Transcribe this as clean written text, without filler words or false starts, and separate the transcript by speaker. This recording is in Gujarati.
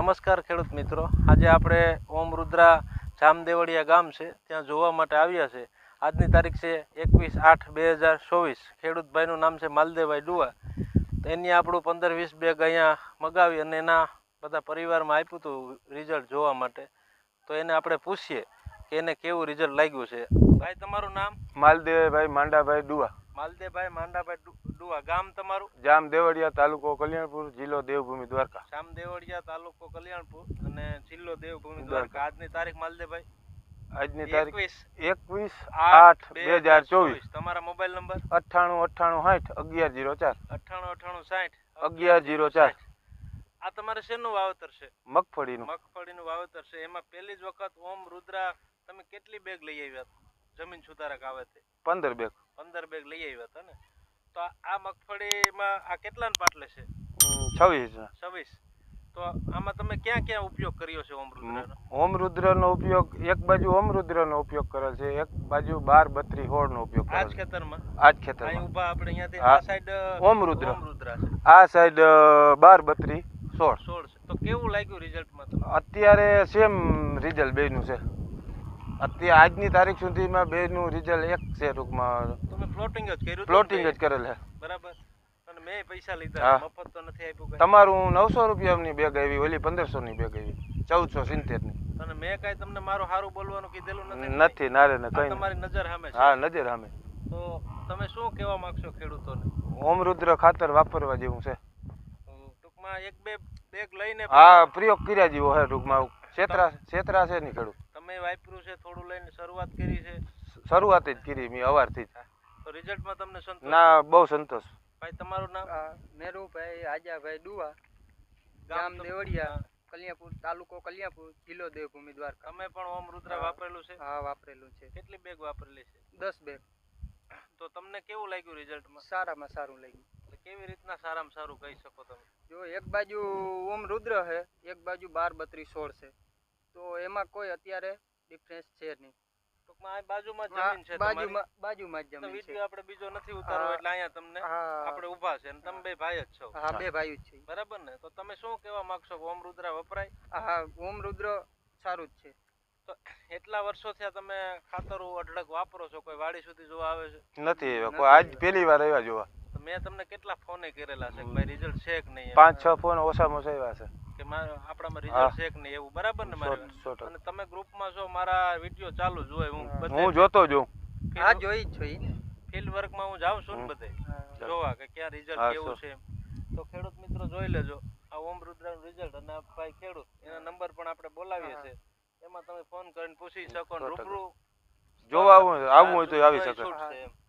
Speaker 1: નમસ્કાર ખેડૂત મિત્રો, આજે આપણે ઓમ રુદ્રા જામદેવળિયા ગામ છે ત્યાં જોવા માટે આવ્યા છે. આજની તારીખ છે 21/8/2024. ખેડૂતભાઈનું નામ છે માલદેવભાઈ ડુઆ. એની આપણું 15-20 બેગ અહીંયા મગાવી અને એના બધા પરિવારમાં આપ્યું હતું રિઝલ્ટ જોવા માટે. તો એને આપણે પૂછીએ કે એને કેવું રિઝલ્ટ લાગ્યું છે. ભાઈ, તમારું નામ?
Speaker 2: માલદેવભાઈ માંડાભાઈ ડુઆ.
Speaker 1: માલદેવભાઈ માંડાભાઈ ડુઆ. ગામ તમારું?
Speaker 2: જામદેવળિયા, તાલુકો કલ્યાણપુર, જિલ્લો દેવભૂમિ દ્વારકા.
Speaker 1: જામદેવળિયા, તાલુકો કલ્યાણપુર અને જિલ્લો દેવભૂમિ દ્વારકા. આજની તારીખ માલદેવભાઈ?
Speaker 2: આજની તારીખ 21/8/2024.
Speaker 1: તમારા મોબાઈલ નંબર?
Speaker 2: 989860 1104.
Speaker 1: 989860 1104. આ તમારે શેનું વાવેતર છે?
Speaker 2: મગફળીનું.
Speaker 1: મગફળીનું વાવેતર છે. એમાં પહેલી જ વખત ઓમ રુદ્રા તમે કેટલી બેગ લઈ આવ્યા જમીન સુધારક આવે તે?
Speaker 2: 15 બેગ.
Speaker 1: 15 બેગ લઈ આવ્યા હતા ને? તો આ મગફળીમાં આ કેટલાના પાટલે છે?
Speaker 2: 26.
Speaker 1: તો આમાં તમે ક્યાં ક્યાં ઉપયોગ કર્યો છે ઓમ રુદ્રાનો?
Speaker 2: ઓમ રુદ્રનો ઉપયોગ એક બાજુ ઓમ રુદ્રનો ઉપયોગ કરેલ છે, એક બાજુ 12-32-16 નો ઉપયોગ કરેલ
Speaker 1: આ જ
Speaker 2: છે.
Speaker 1: ખેતરમાં?
Speaker 2: આ જ ખેતરમાં.
Speaker 1: અહીં ઊભા આપણે અહીંયાથી આ સાઈડ
Speaker 2: ઓમ રુદ્ર
Speaker 1: છે.
Speaker 2: આ સાઈડ 12-32-16
Speaker 1: છે. તો કેવું લાગ્યું રિઝલ્ટમાં તમને?
Speaker 2: અત્યારે સેમ રિઝલ્ટ બેનું છે. અત્યારે આજની તારીખ સુધીમાં બેનું રિઝલ્ટ એક છે. ટૂંકમાં
Speaker 1: તમે પ્લોટિંગ જ કર્યું?
Speaker 2: પ્લોટિંગ જ કરેલ છે.
Speaker 1: બરાબર. અને મેં પૈસા લીધા, મફત તો નથી આપ્યું.
Speaker 2: તમારું 900 રૂપિયાની બેગ આવી, ઓલી 1500 ની બેગ આવી, 1470 ની.
Speaker 1: અને મેં કાંઈ તમને મારું સારું બોલવાનું કીધેલું
Speaker 2: નથી નારે ને કઈ.
Speaker 1: તમારી નજર સામે છે?
Speaker 2: હા, નજર સામે.
Speaker 1: તો તમે શું કહેવા માંગશો ખેડૂતોને?
Speaker 2: ઓમ રુદ્ર ખાતર વાપરવા જેવું છે.
Speaker 1: ટૂંકમાં એક બે બેગ લઈને
Speaker 2: હા, પ્રયોગ કર્યા જેવો છે. ટૂંકમાં છેતરા છે નહીં ખેડૂત.
Speaker 1: તમે વાપર્યું છે, થોડું લઈને શરૂઆત કરી છે?
Speaker 2: શરૂઆત જ કરી મેં અવારથી જ.
Speaker 1: તો રિઝલ્ટમાં તમને સંતોષ?
Speaker 2: ના, બહુ સંતોષ.
Speaker 1: ભાઈ, તમારું નામ?
Speaker 3: મેરુભાઈ આજાભાઈ ડુઆ, ગામ દેવળિયા, કલ્યાણપુર, તાલુકો કલ્યાણપુર, જિલ્લો દેવભૂમિ દ્વારકા.
Speaker 1: તમે પણ ઓમ રુદ્રા વાપરેલું છે?
Speaker 3: હા, વાપરેલું છે.
Speaker 1: કેટલી બેગ વાપરેલી છે?
Speaker 3: 10 બેગ.
Speaker 1: તો તમને કેવું લાગ્યું રિઝલ્ટમાં?
Speaker 3: સારામાં સારું લાગ્યું.
Speaker 1: કેવી રીતના સારામાં સારું કહી શકો તમે?
Speaker 3: જો એક બાજુ ઓમ રુદ્ર છે, એક બાજુ 12-32-16 છે, તો એમાં કોઈ અત્યારે ડિફરન્સ છે નહીં.
Speaker 1: ટૂંકમાં આ બાજુમાં જમીન છે,
Speaker 3: બાજુમાં જ જમીન છે.
Speaker 1: વિડિયો આપણે બીજો નથી ઉતારવો એટલે અહીંયા તમને આપણે ઊભા છે અને તમે બે ભાઈ જ છો.
Speaker 3: હા, બે ભાઈ જ છે.
Speaker 1: બરાબર ને? તો તમે શું કહેવા માંગશો? ઓમ રુદ્રા વપરાય?
Speaker 3: હા, ઓમ રુદ્ર સારું જ છે.
Speaker 1: તો એટલા વર્ષો થયા તમે ખાતરો અઢળક વાપરો છો, કોઈ વાડી સુધી જોવા આવે છે?
Speaker 2: નથી કોઈ, આજ પહેલી વાર આવ્યા જોવા.
Speaker 1: તો મેં તમને કેટલા ફોને કરેલા છે કે ભાઈ રિઝલ્ટ છે કે નહીં?
Speaker 2: 5-6 ફોન ઓછામાં ઓછા આવ્યા છે
Speaker 1: કે આપણામાં રિઝલ્ટ છે કે નહીં એવું. બરાબર ને? મારે અને તમે ગ્રુપમાં છો, મારા વિડિયો ચાલુ જ હોય, હું
Speaker 2: જોતો જોઉં.
Speaker 3: હા, જોઈ જ છો.
Speaker 1: ફિલ્ડ વર્કમાં હું જાઉં છું ને બધે જોવા કે ક્યાં રિઝલ્ટ કેવું છે. તો ખેડૂત મિત્રો જોઈ લેજો આ ઓમ રુદ્રાનું રિઝલ્ટ. અને આ ભાઈ ખેડૂત, એના નંબર પણ આપણે બોલાવીએ છીએ, એમાં તમે ફોન કરીને પૂછી શકો. રૂબરૂ
Speaker 2: જોવા આવવું હોય તો આવી શકે.